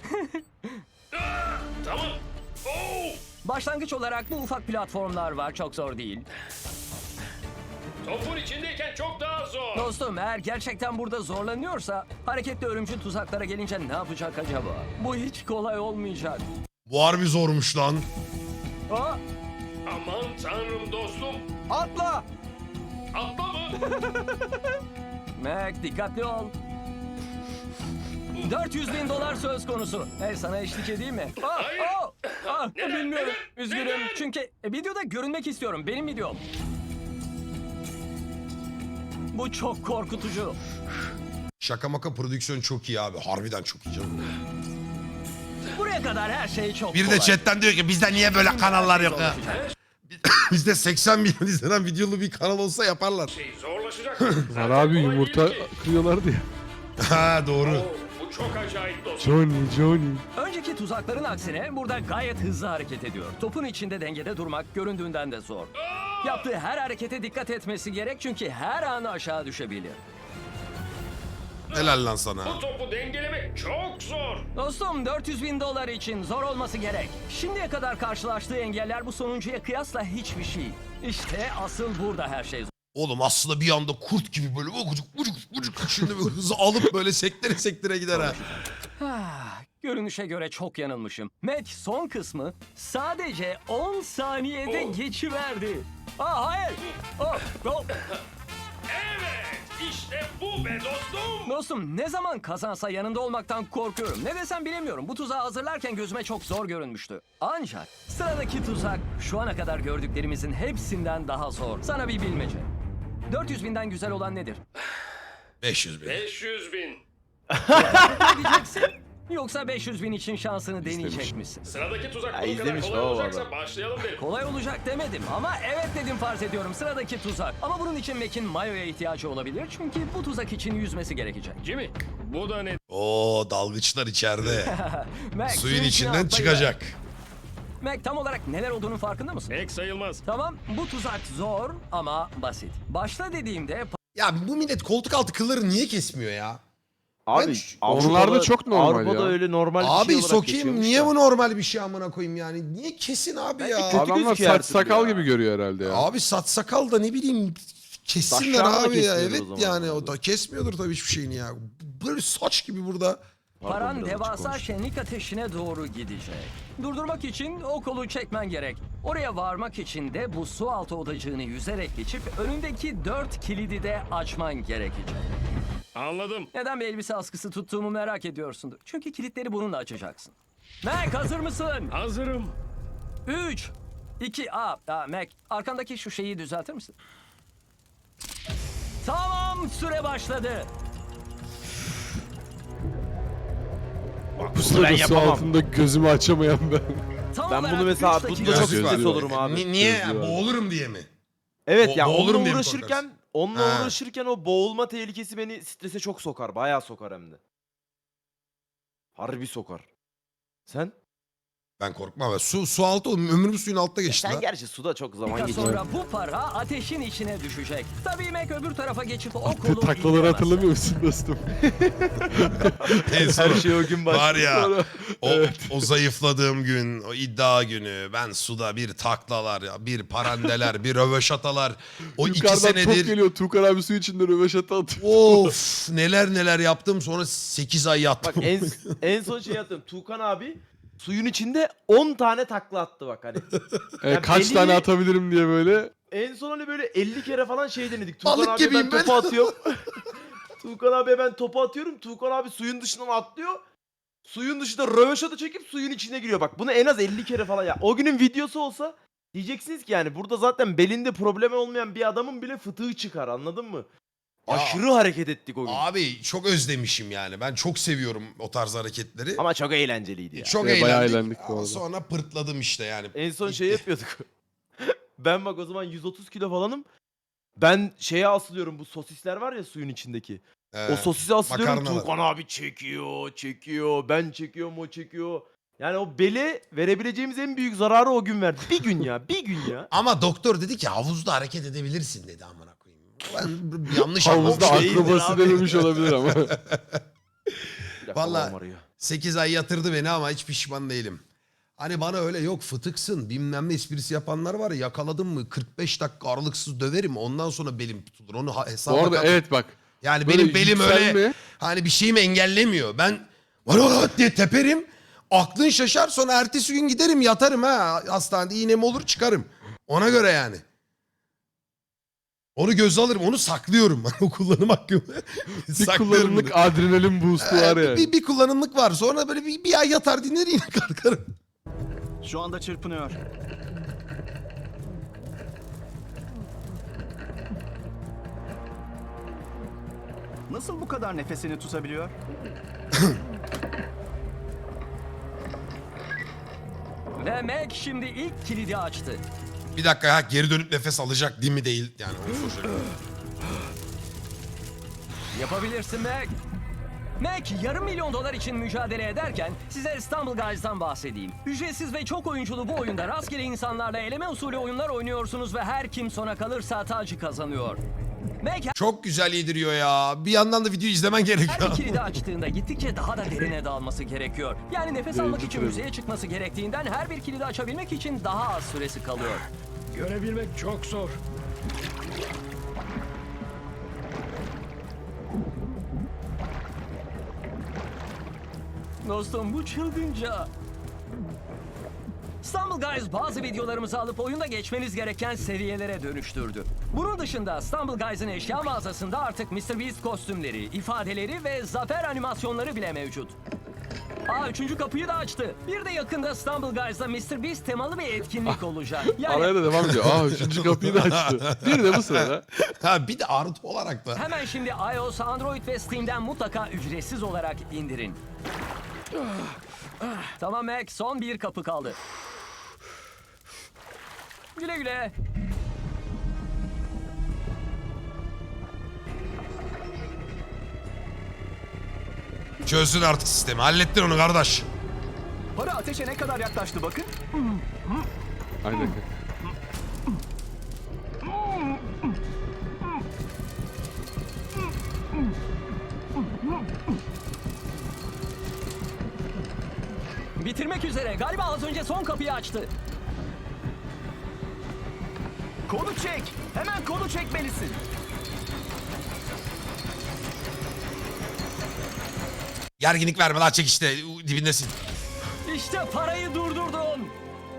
[SPEAKER 5] Tamam. Oo!
[SPEAKER 4] Başlangıç olarak bu ufak platformlar var, çok zor değil.
[SPEAKER 5] Topun içindeyken çok daha zor.
[SPEAKER 4] Dostum eğer gerçekten burada zorlanıyorsa hareketli ölümcül tuzaklara gelince ne yapacak acaba? Bu hiç kolay olmayacak.
[SPEAKER 2] Bu harbi zormuş lan.
[SPEAKER 4] Aa,
[SPEAKER 5] Aman tanrım dostum.
[SPEAKER 4] atla!
[SPEAKER 5] Atla mı?
[SPEAKER 4] Mac dikkatli ol. dört yüz bin dolar söz konusu. Hey sana eşlik edeyim mi? Aa,
[SPEAKER 5] Hayır.
[SPEAKER 4] aa, aa,
[SPEAKER 5] Neden,
[SPEAKER 4] bilmiyorum.
[SPEAKER 5] neden,
[SPEAKER 4] Üzgünüm.
[SPEAKER 5] neden?
[SPEAKER 4] Çünkü videoda görünmek istiyorum. Benim videom. Bu çok korkutucu.
[SPEAKER 2] Şaka maka prodüksiyon çok iyi abi. Harbiden çok iyi canım.
[SPEAKER 4] Buraya kadar her şey çok
[SPEAKER 2] Bir de
[SPEAKER 4] kolay.
[SPEAKER 2] chatten diyor ki bizde niye böyle kanallar yok ya?
[SPEAKER 4] Zorlaşacak.
[SPEAKER 2] Bizde seksen milyon izlenen videolu bir kanal olsa yaparlar.
[SPEAKER 5] Şey zorlaşacak.
[SPEAKER 3] Var
[SPEAKER 5] Zaten
[SPEAKER 3] abi
[SPEAKER 5] kolay
[SPEAKER 3] yumurta
[SPEAKER 5] değil ki.
[SPEAKER 3] kırıyorlardı ya.
[SPEAKER 2] Ha doğru.
[SPEAKER 5] Oo, bu çok acayip dostum.
[SPEAKER 3] Johnny Johnny.
[SPEAKER 4] Önceki tuzakların aksine burada gayet hızlı hareket ediyor. Topun içinde dengede durmak göründüğünden de zor. Yaptığı her harekete dikkat etmesi gerek çünkü her an aşağı düşebilir.
[SPEAKER 2] Helal lan sana.
[SPEAKER 5] Bu topu dengelemek çok zor.
[SPEAKER 4] Dostum dört yüz bin dolar için zor olması gerek. Şimdiye kadar karşılaştığı engeller bu sonuncuya kıyasla hiçbir şey. İşte asıl burada her şey zor.
[SPEAKER 2] Oğlum aslında bir anda kurt gibi böyle vucuk vucuk vucuk şimdi bir hızı alıp böyle sektire sektire gider ha.
[SPEAKER 4] Ah, görünüşe göre çok yanılmışım. Mac son kısmı sadece on saniyede
[SPEAKER 5] Oh.
[SPEAKER 4] geçiverdi. Aa hayır. Oh, oh.
[SPEAKER 5] Evet, işte bu be dostum.
[SPEAKER 4] Dostum ne zaman kazansa yanında olmaktan korkuyorum. Ne desem bilemiyorum. Bu tuzağı hazırlarken gözüme çok zor görünmüştü. Ancak sıradaki tuzak şu ana kadar gördüklerimizin hepsinden daha zor. Sana bir bilmece. dört yüz binden güzel olan nedir?
[SPEAKER 2] beş yüz bin.
[SPEAKER 5] beş yüz bin.
[SPEAKER 4] Ne diyeceksin? Yoksa beş yüz bin için şansını deneyecek misin?
[SPEAKER 5] Sıradaki tuzak
[SPEAKER 1] Ya
[SPEAKER 5] bu kadar
[SPEAKER 1] izlemiş
[SPEAKER 5] kolay
[SPEAKER 1] baba
[SPEAKER 5] olacaksa
[SPEAKER 1] adam.
[SPEAKER 5] başlayalım derim.
[SPEAKER 4] Kolay olacak demedim ama evet dedim farz ediyorum sıradaki tuzak. Ama bunun için Mac'in mayoya ihtiyacı olabilir çünkü bu tuzak için yüzmesi gerekecek.
[SPEAKER 5] Jimmy, bu da ne?
[SPEAKER 2] Oo dalgıçlar içeride.
[SPEAKER 4] Mac,
[SPEAKER 2] Suyun
[SPEAKER 4] içine
[SPEAKER 2] içinden
[SPEAKER 4] atlayıver.
[SPEAKER 2] çıkacak.
[SPEAKER 4] Mac tam olarak neler olduğunun farkında mısın?
[SPEAKER 5] Pek sayılmaz.
[SPEAKER 4] Tamam bu tuzak zor ama basit. Başla dediğimde
[SPEAKER 2] Ya bu millet koltuk altı kılları niye kesmiyor ya?
[SPEAKER 1] Abi
[SPEAKER 2] Ben-
[SPEAKER 1] Avrupa'da-
[SPEAKER 3] Onlarda çok normal
[SPEAKER 1] Avrupa'da
[SPEAKER 3] ya.
[SPEAKER 1] öyle normal bir
[SPEAKER 2] Abi
[SPEAKER 1] şey olarak
[SPEAKER 2] sokayım
[SPEAKER 1] geçiyormuş
[SPEAKER 2] niye
[SPEAKER 1] da.
[SPEAKER 2] bu normal bir şey amına koyayım yani? Niye kesin abi
[SPEAKER 1] Bence
[SPEAKER 2] ya?
[SPEAKER 1] kötü
[SPEAKER 3] Adamlar
[SPEAKER 1] gözüküyor her
[SPEAKER 3] saç
[SPEAKER 1] türlü
[SPEAKER 3] sakal
[SPEAKER 1] ya.
[SPEAKER 3] gibi görüyor herhalde ya.
[SPEAKER 2] Abi saç sakal da ne bileyim kessinler
[SPEAKER 1] Saçlarını da
[SPEAKER 2] abi ya.
[SPEAKER 1] kesmiyordur
[SPEAKER 2] Evet
[SPEAKER 1] o zaman.
[SPEAKER 2] yani o da kesmiyordur tabii hiçbir şeyini ya. Böyle saç gibi burada.
[SPEAKER 1] Pardon,
[SPEAKER 4] paran
[SPEAKER 1] biraz açık
[SPEAKER 4] devasa
[SPEAKER 1] konuştum.
[SPEAKER 4] şenlik ateşine doğru gidecek. Durdurmak için o kolu çekmen gerek. Oraya varmak için de bu su altı odacığını yüzerek geçip önündeki dört kilidi de açman gerekecek.
[SPEAKER 5] Anladım.
[SPEAKER 4] Neden bir elbise askısı tuttuğumu merak ediyorsundur. Çünkü kilitleri bununla açacaksın. Mac hazır mısın?
[SPEAKER 5] Hazırım.
[SPEAKER 4] üç, iki, a, a Mac arkandaki şu şeyi düzeltir misin? Tamam süre başladı.
[SPEAKER 3] Bu sırada
[SPEAKER 1] Ben
[SPEAKER 3] su
[SPEAKER 1] yapamam.
[SPEAKER 3] altında gözümü açamayan ben.
[SPEAKER 4] Tam
[SPEAKER 1] Ben
[SPEAKER 4] olarak
[SPEAKER 1] bunu mesela
[SPEAKER 4] üç
[SPEAKER 1] bunda
[SPEAKER 4] dakika-
[SPEAKER 1] çok
[SPEAKER 3] Gözlüğü
[SPEAKER 1] stres
[SPEAKER 3] var.
[SPEAKER 1] olurum abi.
[SPEAKER 2] Ni- niye?
[SPEAKER 3] Gözlüğü var.
[SPEAKER 2] Boğulurum diye mi?
[SPEAKER 1] Evet
[SPEAKER 2] Bo-
[SPEAKER 1] ya
[SPEAKER 2] boğulurum
[SPEAKER 1] onunla
[SPEAKER 2] diye mi
[SPEAKER 1] uğraşırken
[SPEAKER 2] korkarsın?
[SPEAKER 1] onunla
[SPEAKER 2] Ha.
[SPEAKER 1] uğraşırken o boğulma tehlikesi beni strese çok sokar. Bayağı sokar hem de. Harbi sokar. Sen?
[SPEAKER 2] Ben korkmam. Ben su, su altı oğlum. Ömrüm suyun altta geçti
[SPEAKER 1] Sen
[SPEAKER 2] lan.
[SPEAKER 1] gerçi suda çok zaman
[SPEAKER 4] dakika
[SPEAKER 1] geçiyor.
[SPEAKER 4] sonra bu para ateşin içine düşecek. Tabii Mac öbür tarafa geçip o kolu
[SPEAKER 3] Taklaları
[SPEAKER 4] indiremezse.
[SPEAKER 3] hatırlamıyor musun dostum?
[SPEAKER 2] En son
[SPEAKER 1] Her şey o gün başlıyor.
[SPEAKER 2] var ya
[SPEAKER 3] Sonra-
[SPEAKER 2] o, o zayıfladığım gün, o iddia günü ben suda bir taklalar, ya, bir parandeler, bir röveşatalar. O iki
[SPEAKER 3] Yukarıdan top
[SPEAKER 2] senedir
[SPEAKER 3] geliyor. Tuğkan abi su içinde röveşata atıyor.
[SPEAKER 2] of neler neler yaptım sonra sekiz ay yattım.
[SPEAKER 1] Bak en, en son şey yaptım. Tuğkan abi suyun içinde on tane takla attı bak hani.
[SPEAKER 3] E,
[SPEAKER 1] Ya
[SPEAKER 3] kaç
[SPEAKER 1] belli
[SPEAKER 3] tane
[SPEAKER 1] bir-
[SPEAKER 3] atabilirim diye böyle.
[SPEAKER 1] En son hani böyle elli kere falan şey denedik. Tuğkan
[SPEAKER 2] Balık
[SPEAKER 1] abiye ben
[SPEAKER 2] gibiyim ben.
[SPEAKER 1] topu atıyorum. Tuğkan abiye ben topu atıyorum. Tuğkan abi suyun dışından atlıyor. Suyun dışında röveşata çekip suyun içine giriyor. Bak bunu en az elli kere falan ya. O günün videosu olsa diyeceksiniz ki yani burada zaten belinde problemi olmayan bir adamın bile fıtığı çıkar anladın mı?
[SPEAKER 2] Ya.
[SPEAKER 1] Aşırı hareket ettik o gün.
[SPEAKER 2] Abi çok özlemişim yani. Ben çok seviyorum o tarz hareketleri.
[SPEAKER 1] Ama çok eğlenceliydi ya.
[SPEAKER 2] Çok
[SPEAKER 3] Evet, bayağı
[SPEAKER 2] eğlendik.
[SPEAKER 3] eğlendik bu
[SPEAKER 2] Ama
[SPEAKER 3] arada.
[SPEAKER 2] sonra pırtladım işte yani.
[SPEAKER 1] En son şey yapıyorduk. Ben bak o zaman yüz otuz kilo falanım. Ben şeye asılıyorum bu sosisler var ya suyun içindeki.
[SPEAKER 2] Ee,
[SPEAKER 1] O sosisi asılıyorum.
[SPEAKER 2] makarnalar.
[SPEAKER 1] Tuğkan abi çekiyor, çekiyor. Ben çekiyorum, o çekiyor. Yani o bele verebileceğimiz en büyük zararı o gün verdi. Bir gün ya, bir gün ya.
[SPEAKER 2] Ama doktor dedi ki havuzda hareket edebilirsin dedi amına koyayım. Ben yanlış
[SPEAKER 3] Havuzda
[SPEAKER 2] anlamışım.
[SPEAKER 1] değildir
[SPEAKER 3] akrobasi
[SPEAKER 1] abi.
[SPEAKER 3] denemiş olabilir ama.
[SPEAKER 1] Bir dakika,
[SPEAKER 2] Vallahi-
[SPEAKER 1] babam arıyor.
[SPEAKER 2] sekiz ay yatırdı beni ama hiç pişman değilim. Hani bana öyle yok fıtıksın bilmem ne esprisi yapanlar var ya, yakaladım mı kırk beş dakika aralıksız döverim ondan sonra belim tutulur. Onu ha- hesaba
[SPEAKER 3] Bu arada
[SPEAKER 2] kat-
[SPEAKER 3] evet bak.
[SPEAKER 2] Yani
[SPEAKER 3] böyle
[SPEAKER 2] benim belim öyle
[SPEAKER 3] yükselme-
[SPEAKER 2] hani bir şeyimi engellemiyor. Ben var var diye teperim. Aklın şaşar, sonra ertesi gün giderim yatarım ha. Hastanede iğnem olur çıkarım. Ona göre yani. Onu göze alırım. Onu saklıyorum. O kullanım hakkımı.
[SPEAKER 3] Bir
[SPEAKER 2] Saklıyorum
[SPEAKER 3] kullanımlık
[SPEAKER 2] bunu.
[SPEAKER 3] adrenalin boost'u var
[SPEAKER 2] Ee,
[SPEAKER 3] yani.
[SPEAKER 2] bir, bir kullanımlık var. Sonra böyle bir, bir ay yatar dinler yine kalkarım.
[SPEAKER 6] Şu anda çırpınıyor. Nasıl bu kadar nefesini tutabiliyor?
[SPEAKER 4] Ve Mac şimdi ilk kilidi açtı.
[SPEAKER 2] Bir dakika ya, geri dönüp nefes alacak değil mi değil. Yani onu soracak.
[SPEAKER 4] Yapabilirsin Mac. Mac yarım milyon dolar için mücadele ederken size İstanbul Guys'dan bahsedeyim. Ücretsiz ve çok oyunculu bu oyunda rastgele insanlarla eleme usulü oyunlar oynuyorsunuz ve her kim sona kalırsa tacı kazanıyor. Mac
[SPEAKER 2] Çok güzel yediriyor ya. Bir yandan da videoyu izlemen
[SPEAKER 4] her
[SPEAKER 2] gerekiyor.
[SPEAKER 4] bir kilidi açtığında gittikçe daha da derine dalması gerekiyor. Yani nefes almak için
[SPEAKER 3] tutuyorum.
[SPEAKER 4] yüzeye çıkması gerektiğinden her bir kilidi açabilmek için daha az süresi kalıyor.
[SPEAKER 5] Görebilmek çok zor.
[SPEAKER 4] Dostum bu çılgınca. İstanbul Guys bazı videolarımızı alıp oyunda geçmeniz gereken seviyelere dönüştürdü. Bunun dışında İstanbul Guys'ın eşya mağazasında artık mister Beast kostümleri, ifadeleri ve zafer animasyonları bile mevcut. Aa üçüncü kapıyı da açtı. Bir de yakında İstanbul Guys'da mister Beast temalı bir etkinlik olacak.
[SPEAKER 3] Araya
[SPEAKER 4] Yani
[SPEAKER 3] da devam ediyor. Aa üçüncü kapıyı da açtı. Bir de bu sırada.
[SPEAKER 2] Ha bir de artı olarak da.
[SPEAKER 4] hemen şimdi iOS, Android ve Steam'den mutlaka ücretsiz olarak indirin. Tamam Mac, son bir kapı kaldı. Güle güle.
[SPEAKER 2] Çözdün artık sistemi. Hallettin onu kardeş.
[SPEAKER 6] Para ateşe ne kadar yaklaştı bakın.
[SPEAKER 3] Aynen.
[SPEAKER 4] Bitirmek üzere. Galiba az önce son kapıyı açtı.
[SPEAKER 6] Kolu çek. Hemen kolu çekmelisin.
[SPEAKER 2] Gerginlik verme lan, çek işte dibindesin.
[SPEAKER 4] İşte parayı durdurdun.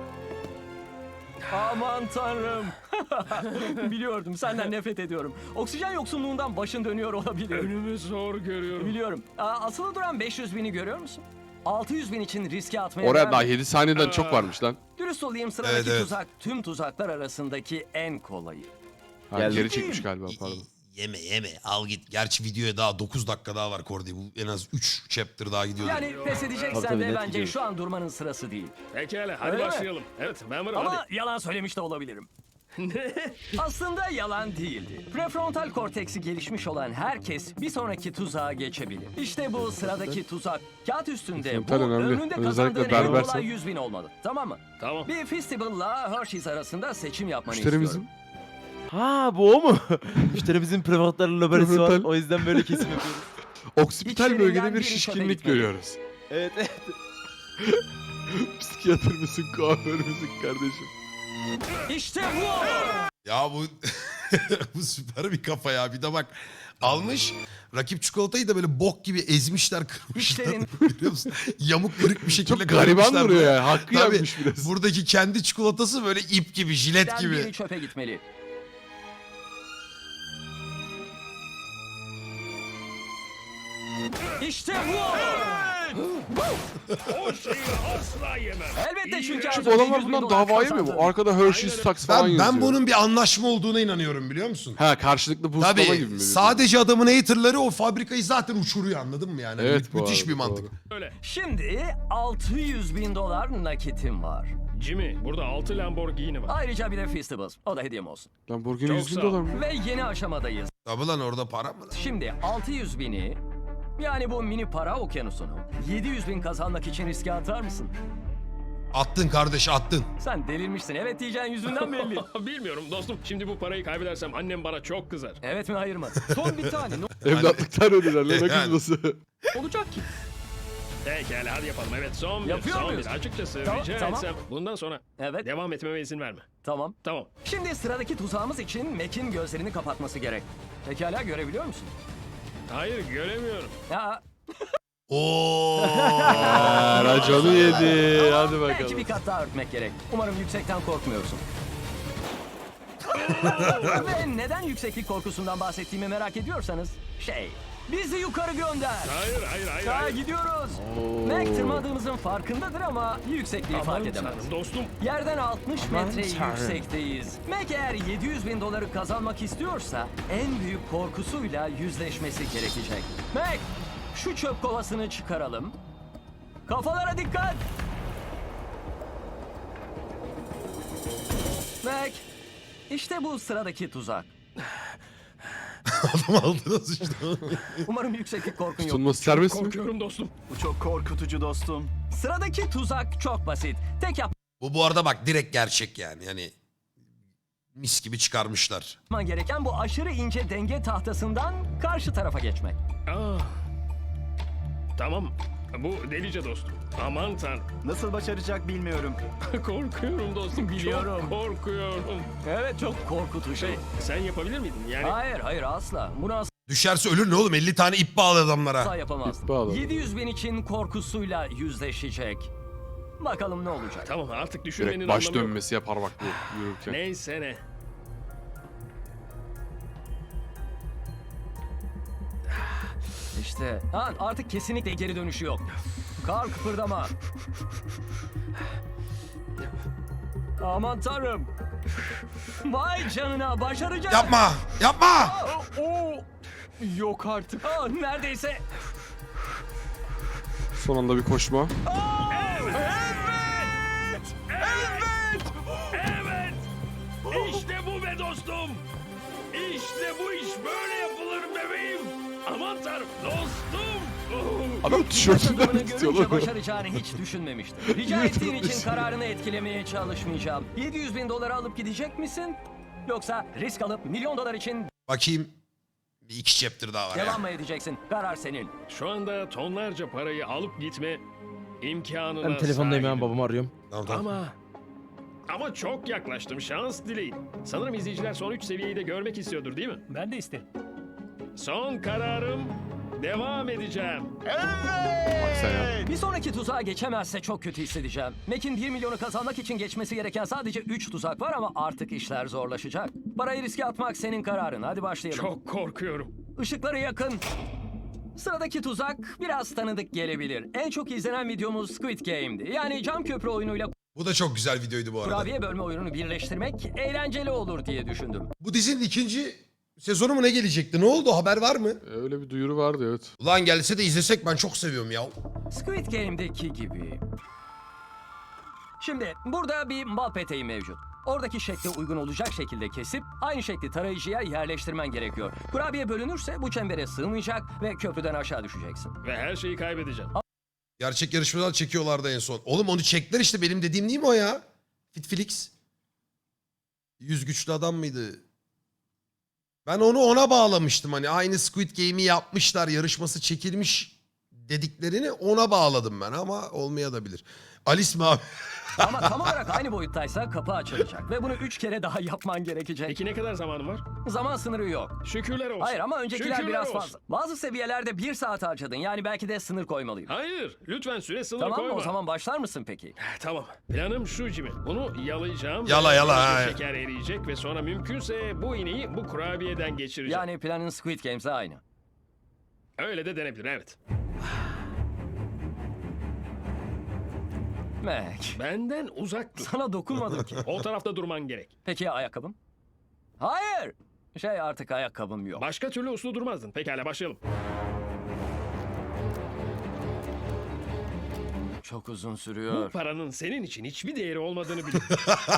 [SPEAKER 4] Aman tanrım. Biliyordum, senden nefret ediyorum. Oksijen yoksunluğundan başın dönüyor olabilir.
[SPEAKER 5] Önümü zor görüyorum.
[SPEAKER 4] Biliyorum. Aa, asılı duran beş yüz bini görüyor musun? altı yüz bin için riske atmaya
[SPEAKER 3] Oraya
[SPEAKER 4] değer
[SPEAKER 3] daha
[SPEAKER 4] mi?
[SPEAKER 3] yedi saniyeden çok varmış lan.
[SPEAKER 4] Dürüst olayım, sıradaki
[SPEAKER 2] Evet, evet.
[SPEAKER 4] tuzak tüm tuzaklar arasındaki en kolayı.
[SPEAKER 3] Ha,
[SPEAKER 1] Geldi.
[SPEAKER 3] geri çekmiş galiba pardon.
[SPEAKER 2] Yeme yeme al git. Gerçi videoya daha dokuz dakika daha var Kordi. Bu en az üç chapter daha gidiyor.
[SPEAKER 4] Yani pes
[SPEAKER 3] Tabii,
[SPEAKER 4] edeceksen
[SPEAKER 3] tabii,
[SPEAKER 4] de
[SPEAKER 3] net
[SPEAKER 4] bence
[SPEAKER 3] gidiyor.
[SPEAKER 4] şu an durmanın sırası değil.
[SPEAKER 5] Pekala hadi
[SPEAKER 4] Öyle mi?
[SPEAKER 5] başlayalım. Evet ben varım
[SPEAKER 4] Ama
[SPEAKER 5] hadi.
[SPEAKER 4] yalan söylemiş de olabilirim. Aslında yalan değildi. Prefrontal korteksi gelişmiş olan herkes bir sonraki tuzağa geçebilir. İşte bu sıradaki tuzak. Kağıt üstünde bu
[SPEAKER 3] Prefrontal önemli.
[SPEAKER 4] önünde
[SPEAKER 3] Özellikle
[SPEAKER 4] kazandığın en
[SPEAKER 3] berbersen.
[SPEAKER 4] kolay yüz bin olmalı. Tamam mı?
[SPEAKER 5] Tamam.
[SPEAKER 4] Bir Festivale'la Hershey's arasında seçim yapmanı
[SPEAKER 3] Müşterimizin
[SPEAKER 4] istiyorum.
[SPEAKER 1] Ha bu o mu? Müşterimizin prefrontal lobarisi var.
[SPEAKER 3] Prefrontal.
[SPEAKER 1] O yüzden böyle kesim yapıyoruz.
[SPEAKER 3] oksipital
[SPEAKER 4] İçlerinden
[SPEAKER 3] bölgede bir
[SPEAKER 4] biri çöpe
[SPEAKER 3] şişkinlik
[SPEAKER 4] gitmeli.
[SPEAKER 3] görüyoruz.
[SPEAKER 1] Evet evet.
[SPEAKER 3] Psikiyatr mısın, kuaför müsün kardeşim?
[SPEAKER 4] İşte bu!
[SPEAKER 2] Ya bu bu süper bir kafa ya. Bir de bak almış rakip çikolatayı da böyle bok gibi ezmişler, kırmışlar.
[SPEAKER 4] İşlerin-
[SPEAKER 2] Biliyor musun? Yamuk kırık bir şekilde
[SPEAKER 3] Çok gariban
[SPEAKER 2] kırmışlar
[SPEAKER 3] duruyor
[SPEAKER 2] böyle.
[SPEAKER 3] ya. Hakkı
[SPEAKER 2] Tabii,
[SPEAKER 3] yapmış biraz.
[SPEAKER 2] buradaki kendi çikolatası böyle ip gibi, jilet
[SPEAKER 4] Ben
[SPEAKER 2] gibi.
[SPEAKER 4] biri çöpe gitmeli. İşte bu!
[SPEAKER 5] O şeyi asla yemem.
[SPEAKER 4] Elbette çünkü az
[SPEAKER 3] Şu
[SPEAKER 4] önce
[SPEAKER 3] adamlar
[SPEAKER 4] yüz bin
[SPEAKER 3] bundan
[SPEAKER 4] dolar
[SPEAKER 3] davaya mı bu?
[SPEAKER 4] kazandın.
[SPEAKER 3] Arkada Hershey's Stacks falan
[SPEAKER 2] Ben,
[SPEAKER 3] yazıyor.
[SPEAKER 2] ben bunun bir anlaşma olduğuna inanıyorum biliyor musun?
[SPEAKER 3] Ha karşılıklı boostlama
[SPEAKER 2] Tabii
[SPEAKER 3] gibi mi?
[SPEAKER 2] sadece adamın haterları o fabrikayı zaten uçuruyor, anladın mı yani?
[SPEAKER 3] Evet,
[SPEAKER 2] Mü-
[SPEAKER 3] bu
[SPEAKER 2] müthiş
[SPEAKER 3] arada,
[SPEAKER 2] bir mantık.
[SPEAKER 3] doğru.
[SPEAKER 5] Öyle.
[SPEAKER 4] Şimdi altı yüz bin dolar nakitim var.
[SPEAKER 5] Jimmy burada altı Lamborghini var.
[SPEAKER 4] Ayrıca bir de Festivals. O da hediyem olsun.
[SPEAKER 3] Lamborghini
[SPEAKER 5] Çok
[SPEAKER 3] yüz bin
[SPEAKER 5] sağ ol.
[SPEAKER 3] dolar mı?
[SPEAKER 4] Ve yeni aşamadayız.
[SPEAKER 2] Tabii lan orada para mı?
[SPEAKER 4] Şimdi altı yüz bini, yani bu mini para okyanusunu yedi yüz bin kazanmak için riske atar mısın?
[SPEAKER 2] Attın kardeş attın.
[SPEAKER 4] Sen delirmişsin. Evet diyeceğin yüzünden belli.
[SPEAKER 5] Bilmiyorum dostum. Şimdi bu parayı kaybedersem annem bana çok kızar.
[SPEAKER 4] Evet mi hayır mı? Son bir tane. Ne
[SPEAKER 3] Evlatlıktan ödüler lan ne
[SPEAKER 2] Yani.
[SPEAKER 3] kızması.
[SPEAKER 4] olacak ki?
[SPEAKER 5] Pekala hadi yapalım. Evet son bir.
[SPEAKER 4] Yapıyor
[SPEAKER 5] son
[SPEAKER 4] muyuz?
[SPEAKER 5] bir. Açıkçası
[SPEAKER 4] Tamam,
[SPEAKER 5] rica
[SPEAKER 4] tamam.
[SPEAKER 5] etsem bundan sonra
[SPEAKER 4] Evet.
[SPEAKER 5] devam etmeme izin verme.
[SPEAKER 4] Tamam.
[SPEAKER 5] Tamam.
[SPEAKER 4] Şimdi sıradaki tuzağımız için Mac'in gözlerini kapatması gerek. Pekala görebiliyor musun?
[SPEAKER 5] Hayır göremiyorum.
[SPEAKER 4] Ya
[SPEAKER 2] Oo.
[SPEAKER 3] Ha, raconu yedi. Hadi
[SPEAKER 4] belki
[SPEAKER 3] bakalım.
[SPEAKER 4] bir kat daha örtmek gerek. Umarım yüksekten korkmuyorsun. Ve neden yükseklik korkusundan bahsettiğimi merak ediyorsanız şey, bizi yukarı gönder.
[SPEAKER 5] Hayır hayır hayır.
[SPEAKER 4] Daha
[SPEAKER 5] hayır.
[SPEAKER 4] gidiyoruz.
[SPEAKER 3] Oo.
[SPEAKER 4] Mac tırmadığımızın farkındadır ama yüksekliği
[SPEAKER 5] Aman
[SPEAKER 4] fark edemez.
[SPEAKER 5] tanrım dostum.
[SPEAKER 4] Yerden altmış metre
[SPEAKER 1] tanrım.
[SPEAKER 4] yüksekteyiz. Mac eğer yedi yüz bin doları kazanmak istiyorsa en büyük korkusuyla yüzleşmesi gerekecek. Mac, şu çöp kovasını çıkaralım. Kafalara dikkat. Mac, işte bu sıradaki tuzak.
[SPEAKER 2] Adam altına sıçtı.
[SPEAKER 4] Umarım yükseklik korkun yok.
[SPEAKER 3] Tutunması serbest mi?
[SPEAKER 5] Korkuyorum dostum.
[SPEAKER 6] Bu çok korkutucu dostum.
[SPEAKER 4] Sıradaki tuzak çok basit. Tek
[SPEAKER 2] Bu bu arada bak direkt gerçek yani. Yani mis gibi çıkarmışlar.
[SPEAKER 4] yapman gereken bu aşırı ince denge tahtasından karşı tarafa geçmek.
[SPEAKER 5] Aa. Tamam. Bu delice dostum. Aman tanrım.
[SPEAKER 6] Nasıl başaracak bilmiyorum.
[SPEAKER 5] Korkuyorum dostum.
[SPEAKER 4] Biliyorum.
[SPEAKER 5] Çok korkuyorum.
[SPEAKER 4] Evet, çok korkutucu.
[SPEAKER 5] Şey sen yapabilir miydin? Yani
[SPEAKER 4] Hayır, hayır asla. Bunu asla
[SPEAKER 2] Düşerse ölür ne oğlum? elli tane ip bağlı adamlara.
[SPEAKER 4] yapamazdım.
[SPEAKER 3] İp bağladı.
[SPEAKER 4] yedi yüz bin için korkusuyla yüzleşecek. Bakalım ne olacak.
[SPEAKER 5] tamam artık düşünmenin
[SPEAKER 3] Direkt baş
[SPEAKER 5] anlamı yok.
[SPEAKER 3] dönmesi yapar bak bu yürürken.
[SPEAKER 5] Neyse ne.
[SPEAKER 4] İşte ha, artık kesinlikle geri dönüşü yok. Kar kıpırdama. Aman tanrım. Vay canına, başaracak.
[SPEAKER 2] Yapma! Yapma!
[SPEAKER 4] Oo. Yok artık. Aa, neredeyse.
[SPEAKER 3] Son anda bir koşma.
[SPEAKER 5] Evet. İşte bu be dostum. İşte bu iş böyle yapılır bebeğim. Aman tanrım dostum. Oh.
[SPEAKER 3] Adam tişörtünden
[SPEAKER 4] Adamını
[SPEAKER 3] tutuyor
[SPEAKER 4] görünce
[SPEAKER 3] lan.
[SPEAKER 4] başaracağını hiç düşünmemiştim. Rica ettiğin için kararını etkilemeye çalışmayacağım. yedi yüz bin doları alıp gidecek misin? Yoksa risk alıp milyon dolar için
[SPEAKER 2] Bakayım. Bir iki chapter daha var ya.
[SPEAKER 4] devam mı edeceksin? Karar senin.
[SPEAKER 5] Şu anda tonlarca parayı alıp gitme imkanına
[SPEAKER 1] Ben telefondayım
[SPEAKER 5] sahibim.
[SPEAKER 1] ben babamı arıyorum.
[SPEAKER 2] Tamam, tamam.
[SPEAKER 5] Ama ama çok yaklaştım. Şans dileyin. Sanırım izleyiciler son üç seviyeyi de görmek istiyordur değil mi?
[SPEAKER 4] Ben de isterim.
[SPEAKER 5] Son kararım devam edeceğim.
[SPEAKER 3] Bak sen ya.
[SPEAKER 4] Bir sonraki tuzağa geçemezse çok kötü hissedeceğim. Mac'in bir milyonu kazanmak için geçmesi gereken sadece üç tuzak var ama artık işler zorlaşacak. Parayı riske atmak senin kararın. Hadi başlayalım.
[SPEAKER 5] Çok korkuyorum.
[SPEAKER 4] Işıkları yakın. Sıradaki tuzak biraz tanıdık gelebilir. En çok izlenen videomuz Squid Game'di. Yani cam köprü oyunuyla
[SPEAKER 2] Bu da çok güzel videoydu bu arada.
[SPEAKER 4] kurabiye bölme oyununu birleştirmek eğlenceli olur diye düşündüm.
[SPEAKER 2] Bu dizinin ikinci sezonu mu ne gelecekti? Ne oldu? Haber var mı?
[SPEAKER 3] Öyle bir duyuru vardı evet.
[SPEAKER 2] Ulan gelse de izlesek ben çok seviyorum ya.
[SPEAKER 4] Squid Game'deki gibi. Şimdi burada bir bal peteği mevcut. Oradaki şekle uygun olacak şekilde kesip aynı şekli tarayıcıya yerleştirmen gerekiyor. Kurabiye bölünürse bu çembere sığmayacak ve köprüden aşağı düşeceksin.
[SPEAKER 5] Ve her şeyi kaybedeceğim.
[SPEAKER 2] Gerçek yarışmalar çekiyorlardı en son. Oğlum onu çektiler işte benim dediğim değil mi o ya? Fitflix. Yüz güçlü adam mıydı? Ben onu ona bağlamıştım hani aynı Squid Game'i yapmışlar yarışması çekilmiş dediklerini ona bağladım ben ama olmayabilir. Alice mi abi?
[SPEAKER 4] Ama tam olarak aynı boyuttaysa kapı açılacak ve bunu üç kere daha yapman gerekecek.
[SPEAKER 5] Peki ne kadar zamanım var?
[SPEAKER 4] Zaman sınırı yok.
[SPEAKER 5] Şükürler olsun.
[SPEAKER 4] Hayır ama öncekiler
[SPEAKER 5] Şükürler
[SPEAKER 4] biraz
[SPEAKER 5] olsun.
[SPEAKER 4] fazla. Bazı seviyelerde bir saat harcadın. Yani belki de sınır koymalıyım.
[SPEAKER 5] Hayır. Lütfen süre sınırı
[SPEAKER 4] Tamam mı?
[SPEAKER 5] koyma.
[SPEAKER 4] O zaman başlar mısın peki?
[SPEAKER 5] Tamam. Planım şu Jimmy. Bunu yalayacağım.
[SPEAKER 2] Yala,
[SPEAKER 5] ve
[SPEAKER 2] yala,
[SPEAKER 5] böylece
[SPEAKER 2] ha.
[SPEAKER 5] Şeker eriyecek ve sonra mümkünse bu iğneyi bu kurabiyeden geçireceğim.
[SPEAKER 4] Yani planın Squid Games'e aynı.
[SPEAKER 5] Öyle de denebilir evet.
[SPEAKER 4] Mac,
[SPEAKER 5] Benden uzak dur.
[SPEAKER 4] sana dokunmadım ki.
[SPEAKER 5] O tarafta durman gerek.
[SPEAKER 4] Peki ya ayakkabım? Hayır. Şey artık ayakkabım yok.
[SPEAKER 5] Başka türlü uslu durmazdın. Pekala başlayalım.
[SPEAKER 4] Çok uzun
[SPEAKER 5] Bu
[SPEAKER 4] sürüyor.
[SPEAKER 5] paranın senin için hiçbir değeri olmadığını biliyorum.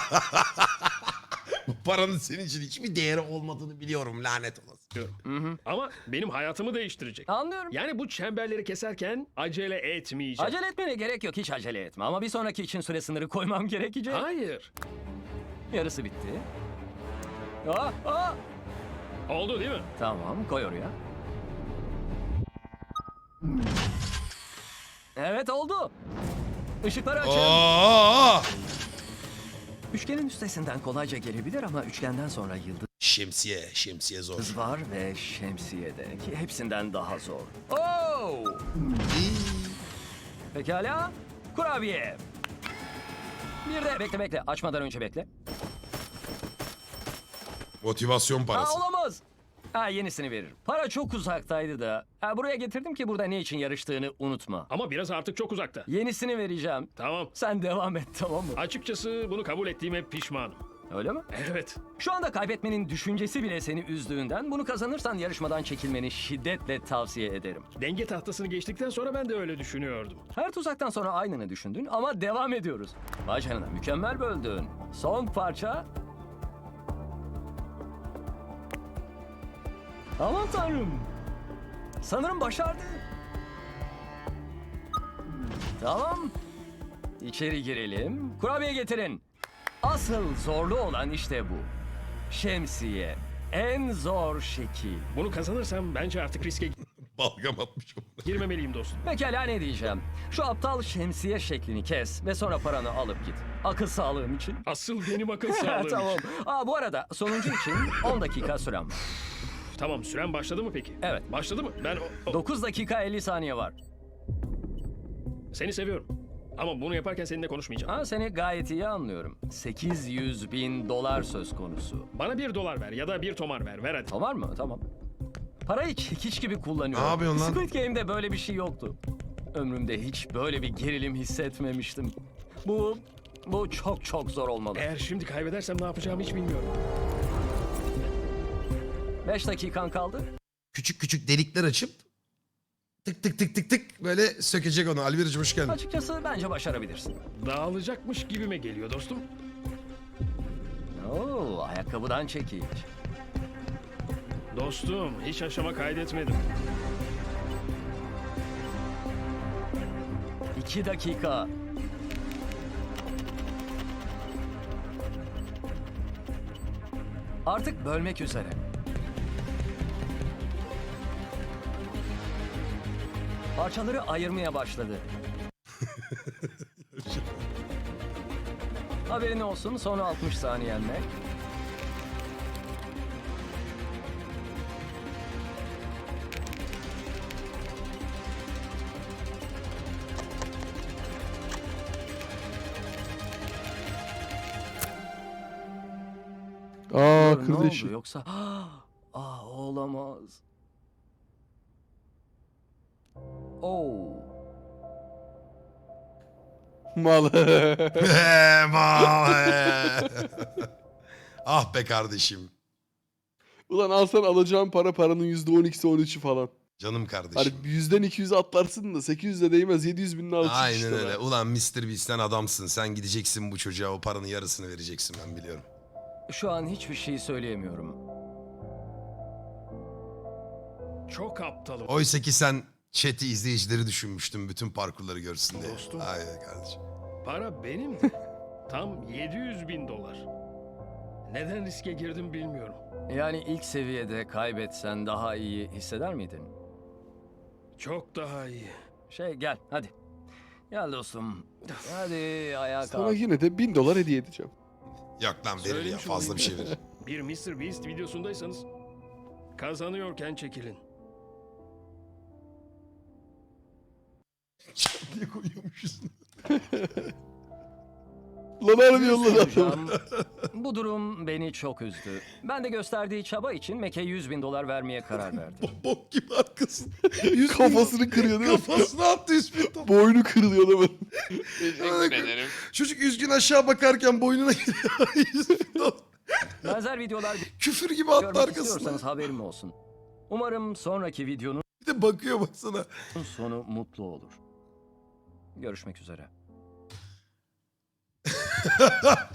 [SPEAKER 2] Bu paranın senin için hiçbir değeri olmadığını biliyorum lanet olası.
[SPEAKER 5] Ama benim hayatımı değiştirecek.
[SPEAKER 4] Anlıyorum.
[SPEAKER 5] Yani bu çemberleri keserken acele etmeyeceğim.
[SPEAKER 4] Acele etmene gerek yok. Hiç acele etme. Ama bir sonraki için süre sınırı koymam gerekecek.
[SPEAKER 5] Hayır.
[SPEAKER 4] Yarısı bitti. Aa, aa.
[SPEAKER 5] Oldu değil mi?
[SPEAKER 4] Tamam, koy oraya. Evet oldu. Işıkları açın.
[SPEAKER 2] Oo!
[SPEAKER 4] Üçgenin üstesinden kolayca gelebilir ama üçgenden sonra yıldız
[SPEAKER 2] Şemsiye, şemsiye zor.
[SPEAKER 4] var ve şemsiye de ki hepsinden daha zor. Oo! Pekala. Kurabiye. Bir de bekle bekle. Açmadan önce bekle.
[SPEAKER 2] Motivasyon
[SPEAKER 4] Aa,
[SPEAKER 2] parası.
[SPEAKER 4] olamaz. Ha, yenisini veririm. Para çok uzaktaydı da. Ha, buraya getirdim ki burada ne için yarıştığını unutma.
[SPEAKER 5] Ama biraz artık çok uzakta.
[SPEAKER 4] Yenisini vereceğim.
[SPEAKER 5] Tamam.
[SPEAKER 4] Sen devam et, tamam mı?
[SPEAKER 5] Açıkçası bunu kabul ettiğime pişmanım.
[SPEAKER 4] Öyle mi?
[SPEAKER 5] Evet.
[SPEAKER 4] Şu anda kaybetmenin düşüncesi bile seni üzdüğünden bunu kazanırsan yarışmadan çekilmeni şiddetle tavsiye ederim.
[SPEAKER 5] Denge tahtasını geçtikten sonra ben de öyle düşünüyordum.
[SPEAKER 4] Her tuzaktan sonra aynını düşündün ama devam ediyoruz. Vay canına, mükemmel böldün. Son parça. Aman tanrım. Sanırım başardı. Tamam. İçeri girelim. Kurabiye getirin. Asıl zorlu olan işte bu. Şemsiye. En zor şekil.
[SPEAKER 5] Bunu kazanırsam bence artık riske
[SPEAKER 2] Balgam atmışım.
[SPEAKER 5] girmemeliyim dostum.
[SPEAKER 4] Pekala, ne diyeceğim? Şu aptal şemsiye şeklini kes ve sonra paranı alıp git. Akıl sağlığım için.
[SPEAKER 5] Asıl benim akıl sağlığım.
[SPEAKER 4] Tamam. Aa, bu arada sonuncu için on dakika sürem var.
[SPEAKER 5] Tamam, süren başladı mı peki?
[SPEAKER 4] Evet.
[SPEAKER 5] Başladı mı? Ben o- o-
[SPEAKER 4] dokuz dakika elli saniye var.
[SPEAKER 5] seni seviyorum. Ama bunu yaparken seninle konuşmayacağım.
[SPEAKER 4] Ha, seni gayet iyi anlıyorum. sekiz yüz bin dolar söz konusu.
[SPEAKER 5] Bana bir dolar ver ya da bir tomar ver. Ver hadi.
[SPEAKER 4] Tamam mı? Tamam. Parayı çekiç gibi kullanıyorum.
[SPEAKER 2] Ne yapıyorsun lan?
[SPEAKER 4] Squid Game'de böyle bir şey yoktu. Ömrümde hiç böyle bir gerilim hissetmemiştim. Bu, bu çok çok zor olmalı.
[SPEAKER 5] Eğer şimdi kaybedersem ne yapacağımı hiç bilmiyorum.
[SPEAKER 4] beş dakikan kaldı.
[SPEAKER 2] Küçük küçük delikler açıp tık tık tık tık tık böyle sökecek onu. Alviracım hoş geldin.
[SPEAKER 4] Açıkçası bence başarabilirsin.
[SPEAKER 5] Dağılacakmış gibime geliyor dostum.
[SPEAKER 4] Oo, ayakkabıdan çekiç.
[SPEAKER 5] Dostum, hiç aşama kaydetmedim.
[SPEAKER 4] İki dakika. Artık bölmek üzere. Parçaları ayırmaya başladı. Haberin olsun, son altmış saniyen ne?
[SPEAKER 3] Aa
[SPEAKER 4] Ne
[SPEAKER 3] kırdı
[SPEAKER 4] oldu
[SPEAKER 3] işi.
[SPEAKER 4] yoksa? Ah, olamaz. Oo.
[SPEAKER 3] Mal.
[SPEAKER 2] Ah be kardeşim.
[SPEAKER 3] Ulan alsan alacağın para paranın yüzde on ikisi on üçü falan.
[SPEAKER 2] Canım
[SPEAKER 3] Hani
[SPEAKER 2] kardeşim.
[SPEAKER 3] yüzden iki yüz atlarsın da sekiz yüze değmez yedi yüz binin altı
[SPEAKER 2] Aynen
[SPEAKER 3] işte
[SPEAKER 2] öyle.
[SPEAKER 3] lan.
[SPEAKER 2] Ulan mister Beast'ten adamsın. Sen gideceksin bu çocuğa o paranın yarısını vereceksin ben biliyorum.
[SPEAKER 4] Şu an hiçbir şey söyleyemiyorum.
[SPEAKER 5] Çok aptalım.
[SPEAKER 2] Oysa ki sen chat'i izleyicileri düşünmüştün bütün parkurları görsün diye.
[SPEAKER 5] Dostum.
[SPEAKER 2] Aynen kardeşim.
[SPEAKER 5] Para benim de. Tam yedi yüz bin dolar. Neden riske girdim bilmiyorum.
[SPEAKER 4] Yani ilk seviyede kaybetsen daha iyi hisseder miydin?
[SPEAKER 5] Çok daha iyi.
[SPEAKER 4] Şey, gel hadi. Gel dostum. Hadi ayağa
[SPEAKER 3] Sana
[SPEAKER 4] kalk.
[SPEAKER 3] yine de bin dolar hediye edeceğim.
[SPEAKER 2] Yok lan verir ya
[SPEAKER 5] Söylemiş
[SPEAKER 2] fazla bir
[SPEAKER 5] olayım.
[SPEAKER 2] şey verir.
[SPEAKER 5] Bir mister Beast videosundaysanız kazanıyorken çekilin.
[SPEAKER 2] Niye koyuyormuşuz?
[SPEAKER 3] Lan harbi
[SPEAKER 4] Bir
[SPEAKER 3] yolladı adamı.
[SPEAKER 4] soracağım. Bu durum beni çok üzdü. Ben de gösterdiği çaba için Mac'e yüz bin dolar vermeye karar verdim.
[SPEAKER 2] Bok gibi arkasın.
[SPEAKER 3] Kafasını kırıyor değil mi?
[SPEAKER 2] Kafasına attı yüz bin dolar.
[SPEAKER 3] Boynu kırılıyor adamın.
[SPEAKER 2] Çocuk üzgün aşağı bakarken boynuna giriyor. yüz bin dolar.
[SPEAKER 4] Benzer videolar
[SPEAKER 2] Küfür gibi attı
[SPEAKER 4] görmek
[SPEAKER 2] arkasına.
[SPEAKER 4] istiyorsanız haberim olsun. Umarım sonraki videonun
[SPEAKER 2] Bir de bakıyor baksana.
[SPEAKER 4] sonu mutlu olur. Görüşmek üzere.